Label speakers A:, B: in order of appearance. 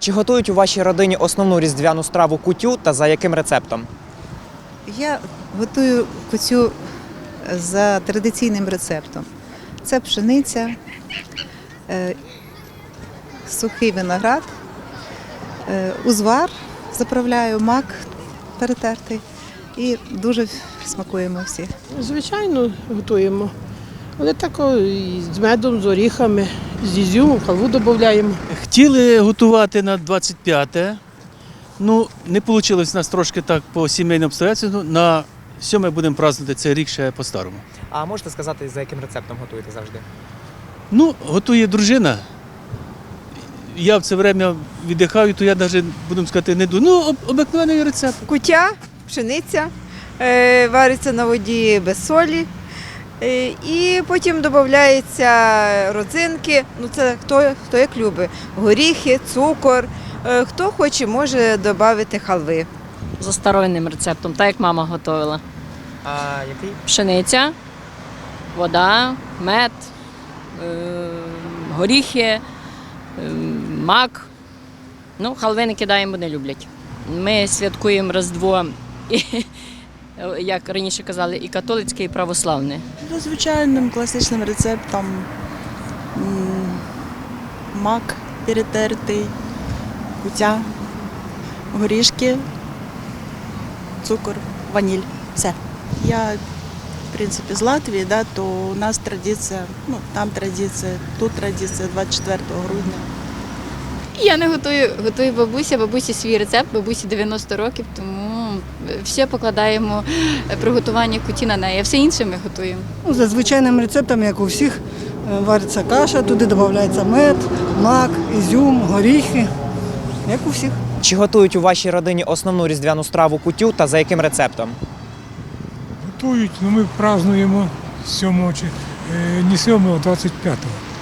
A: Чи готують у вашій родині основну різдвяну страву кутю та за яким рецептом?
B: Я готую кутю за традиційним рецептом. Це пшениця, сухий виноград, узвар, заправляю, мак перетертий і дуже смакуємо всі.
C: Звичайно, готуємо. Але так і з медом, з оріхами, з ізюмом, халву додаємо.
D: Хотіли готувати на 25-те, ну не вийшло у нас трошки так по сімейним обстоятельствам. На 7 будемо празднувати цей рік ще по-старому.
A: А можете сказати, за яким рецептом готуєте завжди?
D: Ну, готує дружина. Я в це время віддихаю, то я навіть, будемо сказати, не думаю. Ну, обикновений рецепт.
E: Кутя, пшениця, вариться на воді без солі. І потім додаються родзинки, ну це хто як любить, горіхи, цукор. Хто хоче, може додати халви.
F: За старовинним рецептом, так як мама готувала.
A: А який?
F: Пшениця, вода, мед, горіхи, мак. Ну, халви не кидаємо, бо не люблять. Ми святкуємо Різдво, і, як раніше казали, і католицьке, і православне.
G: За звичайним класичним рецептом мак перетертий, кутя, горішки, цукор, ваніль. Все. Я, в принципі, з Латвії, да, то у нас традиція, ну, там традиція, тут традиція 24 грудня.
H: Я не готую, готує бабуся, бабусі свій рецепт, бабусі 90 років, тому все покладаємо приготування куті на неї, а все інше ми готуємо.
I: За звичайним рецептом, як у всіх, вариться каша, туди додається мед, мак, ізюм, горіхи, як у всіх.
A: Чи готують у вашій родині основну різдвяну страву кутю та за яким рецептом?
J: Готують, але ми празднуємо 7-го, не 7-го, а 25-го.